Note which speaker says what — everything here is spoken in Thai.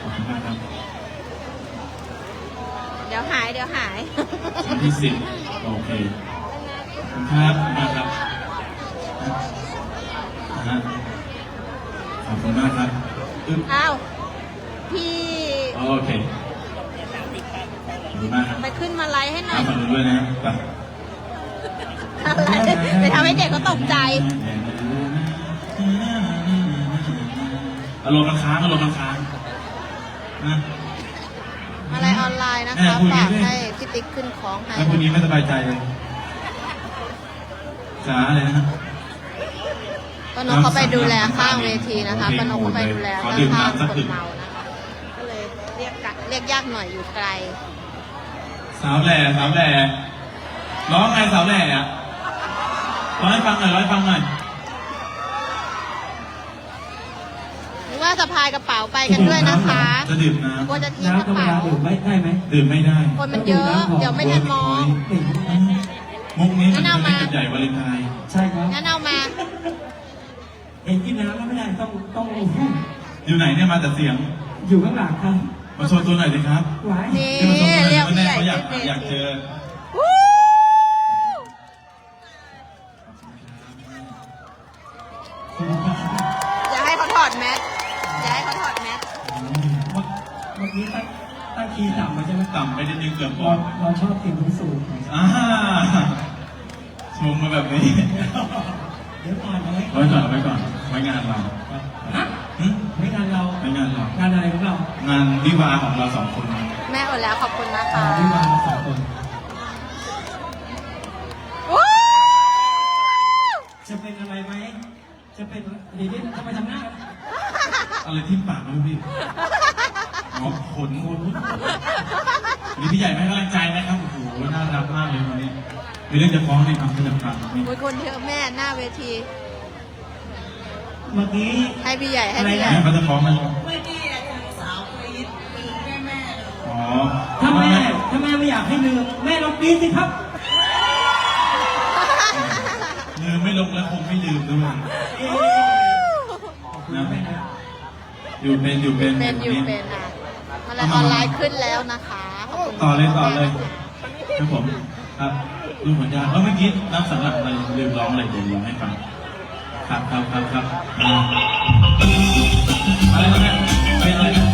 Speaker 1: ขอบคุณมากครับ
Speaker 2: เดี๋ยวหาย
Speaker 1: ชั้นที่10โอเคครับมาครับขอบคุณมากครับ
Speaker 2: อ้าวพี่
Speaker 1: โอเคขอบคุณมากครับ
Speaker 2: ไปขึ้นมาไลฟ์ให้หน่อย
Speaker 1: ฝากด้วยนะ
Speaker 2: ไปทำให้เด็กเขาตกใจ
Speaker 1: อารมณ์มันค้างนะ
Speaker 2: อะไรออนไลน์นะคะฝากให้พี่ติ๊กขึ้นของให้
Speaker 1: แล้วพรุ่งนี้ไม่สบายใจเลยจ๋าอะไรนะ
Speaker 2: ป้านกเขาไปดูแลข้างเวทีนะคะป้านกเขาไปดูแลข้างคนเมานะคะก็เลยเรียกยากหน่อยอยู่ไกล
Speaker 1: สาวแหล่ร้องไงสาวแหล่อะร้องให้ฟังหน่อย
Speaker 2: หรือว่าสะพายกระเป๋าไปกันด้วยนะคะ
Speaker 1: จะดื่มน้ำ
Speaker 2: กลัวจะทิ้งกระเป๋า
Speaker 3: ดื่มได้ไหม
Speaker 1: ดื่มไม่ได้
Speaker 2: คนมันเยอะเดี๋ยวไม่ทันมอง
Speaker 1: มุกนี้มันเป็นใหญ่วาเลนไทน์
Speaker 3: ใช่ครับ
Speaker 2: งั้นเอามา
Speaker 3: เห็นกินน้ำแล้วไม่ได้ต้อง
Speaker 1: อยู่ไหนเนี่ยมาแต่เสียง
Speaker 3: อยู่ข้างหลังครับ
Speaker 1: มาโชว์ตัวหน่อยสิครับ
Speaker 2: นี่เรียกผู้ใหญ่
Speaker 1: อยากเจอ
Speaker 2: อย่าให้เขาถอดแมสเ
Speaker 3: มื่อกี้ตั้งคีย์ต่ำมาใช่ไหม
Speaker 1: ต่ำไปนิดนึงเกือบก่อน
Speaker 3: เราชอบกินสูง
Speaker 1: ชมมาแบบนี้
Speaker 3: เดี๋ยวก่อนไ
Speaker 1: ว้ก่อนไว้งานเรา
Speaker 3: ไม่งานเรา
Speaker 1: งาน
Speaker 3: อะไรของเรา
Speaker 1: งานวิวาของเรา2 คน
Speaker 2: แม่อดแล้วขอบคุณนะคะ
Speaker 3: วิวา2 คนจะเป็นอะไรไหมจะเป็นเดี๋ยวทำไมทำหน้า
Speaker 1: อะไรที่ปากนะพี่ขนมีพี่ใหญ่ให้กำลังใจนะครับโอ้โหน่ารักมากเลยวันนี้มีเรื่องจะฟ้องในคำพยากรณ์นี่
Speaker 2: คนเยอะแม่หน้าเวที
Speaker 3: เมื่อกี้
Speaker 2: ให้พี่ใหญ่
Speaker 1: เขาจะฟ้องมัน
Speaker 4: เมื่อกี้สาวกรี๊ดแม่เลย
Speaker 1: อ๋อ
Speaker 3: ถ้าแม่ไม่อยากให้ลืมแม่ลองกรี๊ดสิครับ
Speaker 1: ลืมไม่ลงแล้วคงไม่ลืมด้วยนะอยู่เป็น
Speaker 2: อ่ะมันออนไลน์ขึ้นแล้วนะคะ
Speaker 1: ต่อเลยครับผมครับดูผลงานเมื่อกี้น้ำสำหรับอะไรลืมร้องอะไรเดี๋ยวร้องให้ฟังครับอะไรนะเป็นอะไรนะ